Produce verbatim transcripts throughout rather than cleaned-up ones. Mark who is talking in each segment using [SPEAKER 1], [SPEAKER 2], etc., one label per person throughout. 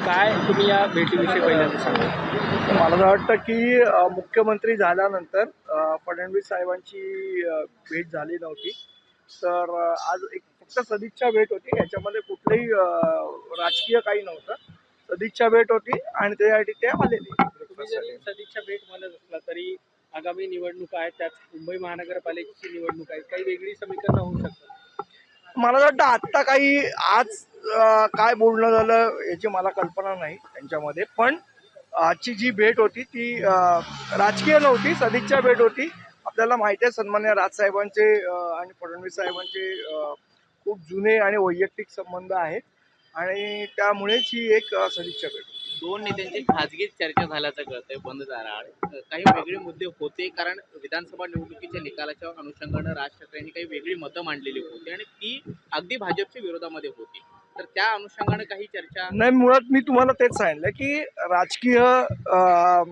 [SPEAKER 1] काय तुम्ही या भेटीविषयी पहिल्यांदा सांगा?
[SPEAKER 2] मला असं वाटतं की अ, मुख्यमंत्री झाल्यानंतर अ, फडणवीस साहेबांची अ, भेट झाली नव्हती. तर अ, आज एक फक्त सदिच्छा भेट होती. याच्यामध्ये कुठलंही अ, राजकीय काही नव्हतं. सदिच्छा भेट होती आणि त्यासाठी ते आलेले
[SPEAKER 1] तुम्ही जरी सदिच्छा भेट म्हणत असला तरी आगामी निवडणुका आहेत, त्यात मुंबई महानगरपालिकेची निवडणूक आहे, काही वेगळी समीकरणं होऊ शकतात.
[SPEAKER 2] मला असं वाटतं आत्ता काही आज अ, काय बोलणं झालं याची मला कल्पना नाही त्यांच्यामध्ये. पण आजची जी भेट होती ती अ, राजकीय नव्हती, सदिच्छा भेट होती. आपल्याला माहिती आहे सन्मान्य राजसाहेबांचे अ, आणि फडणवीस साहेबांचे अ, खूप जुने आणि वैयक्तिक संबंध आहेत आणि त्यामुळेच ही एक अ, सदिच्छा भेट होती.
[SPEAKER 3] दोन नेत्यांची खाजगी चर्चा झाल्याचं कळतंय बंद दाराआड. काही वेगळे मुद्दे होते, कारण विधानसभा निवडणुकीच्या निकालाच्या अनुषंगानं राज ठाकरेंनी काही वेगळी मतं मांडलेली होती आणि ती अगदी भाजपच्या विरोधामध्ये होती. तर त्या अनुषंगानं काही चर्चा
[SPEAKER 2] नाही, मुळात मी तुम्हाला तेच सांगितलं की राजकीय अ,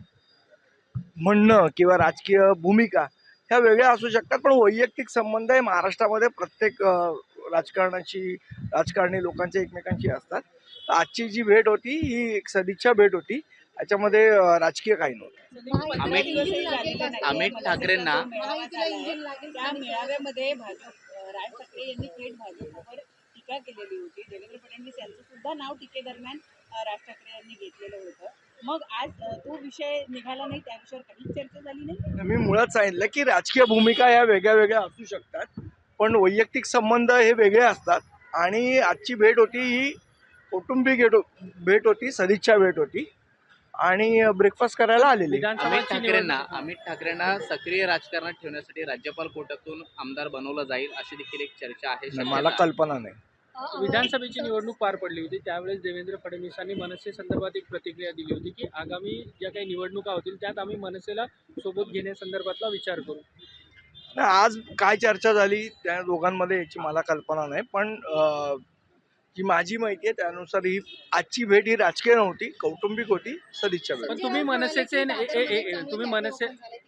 [SPEAKER 2] म्हणणं किंवा राजकीय भूमिका ह्या वेगळ्या असू शकतात, पण वैयक्तिक संबंध हे महाराष्ट्रामध्ये प्रत्येक अ, राजकारणाची राजकारणी लोकांच्या एकमेकांशी असतात. तर आजची जी भेट होती ही एक सदिच्छा भेट होती. याच्यामध्ये अ, राजकीय काही नव्हतं.
[SPEAKER 3] अमित अमित ठाकरेंना
[SPEAKER 4] त्या मेळाव्यामध्ये भाजप राज ठाकरे यांनी थेट भाजपवर टीका केलेली होती. देवेंद्र फडणवीस यांचं सुद्धा नाव टीकेदरम्यान राज ठाकरे यांनी घेतलेलं होतं. मग आज तो विषय निघाला नाही, त्या विषयावर काहीच चर्चा झाली नाही.
[SPEAKER 2] मी मुळात सांगितलं की राजकीय भूमिका या वेगळ्या वेगळ्या असू शकतात, पण वैयक्तिक संबंध हे वेगळे असतात. आणि आजची भेट होती ही कौटुंबिक भेट होती, सदिच्छा भेट होती आणि ब्रेकफास्ट करायला आलेली.
[SPEAKER 3] अमित ठाकरेंना अमित ठाकरेंना सक्रिय राजकारणात ठेवण्यासाठी राज्यपाल कोटातून आमदार बनवलं जाईल अशी देखील एक चर्चा आहे.
[SPEAKER 2] मला कल्पना नाही.
[SPEAKER 1] विधानसभेची निवडणूक पार पडली होती, त्यावेळेस देवेंद्र फडणवीसांनी मनसे संदर्भात एक प्रतिक्रिया दिली होती की आगामी ज्या काही निवडणुका होतील त्यात आम्ही मनसेला सोबत घेण्यासंदर्भातला विचार करू.
[SPEAKER 2] नाही, आज काय चर्चा झाली त्या दोघांमध्ये याची मला कल्पना नाही, पण अ, जी माझी माहिती आहे त्यानुसार ही आजची भेट ही राजकीय नव्हती, कौटुंबिक होती, सदिच्छा भेट.
[SPEAKER 1] पण तुम्ही मनसेचे ए- ए- ए- ए- तुम्ही मनसे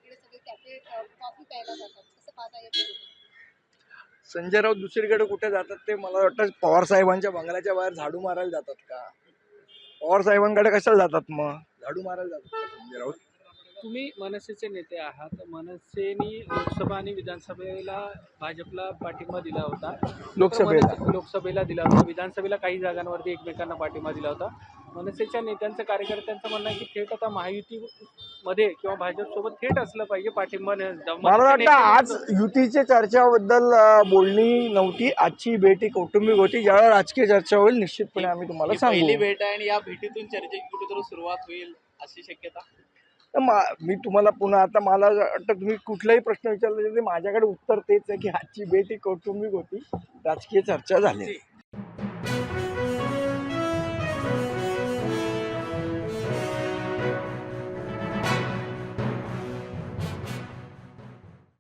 [SPEAKER 2] संजय राऊत दुसरीकडे कुठे जातात ते मला वाटतं पवार साहेबांच्या बंगल्याच्या बाहेर झाडू मारायला जातात का? पवार साहेबांकडे कशाला जातात, मग झाडू मारायला जातात का संजय राऊत?
[SPEAKER 1] तुम्ही मनसेचे नेते आहात. मनसेनी लोकसभा आणि विधानसभेला भाजपला पाठिंबा दिला होता.
[SPEAKER 2] लोकसभेला.
[SPEAKER 1] मनसे- लोकसभेला दिला होता, विधानसभेला काही जागांवरती एकमेकांना पाठिंबा दिला होता. मनसेच्या नेत्यांचं कार्यकर्त्यांचं म्हणणं आहे की थेट आता महायुतीमध्ये किंवा भाजपसोबत थेट असलं पाहिजे पाठिंबा न-
[SPEAKER 2] मला वाटतं आज युतीच्या चर्चाबद्दल अ, बोलणी नव्हती. आजची भेट ही कौटुंबिक होती. ज्यावेळेला राजकीय चर्चा होईल निश्चितपणे आम्ही तुम्हाला
[SPEAKER 3] ही पहिली
[SPEAKER 2] सांगू.
[SPEAKER 3] भेट आहे आणि या भेटीतून चर्चेची कुठेतरी सुरुवात होईल अशी शक्यता.
[SPEAKER 2] तर मा- मी तुम्हाला पुन्हा आता मला वाटतं तुम्ही कुठलाही प्रश्न विचारला तरी माझ्याकडे उत्तर तेच आहे की आजची भेट ही कौटुंबिक होती, राजकीय चर्चा झाली.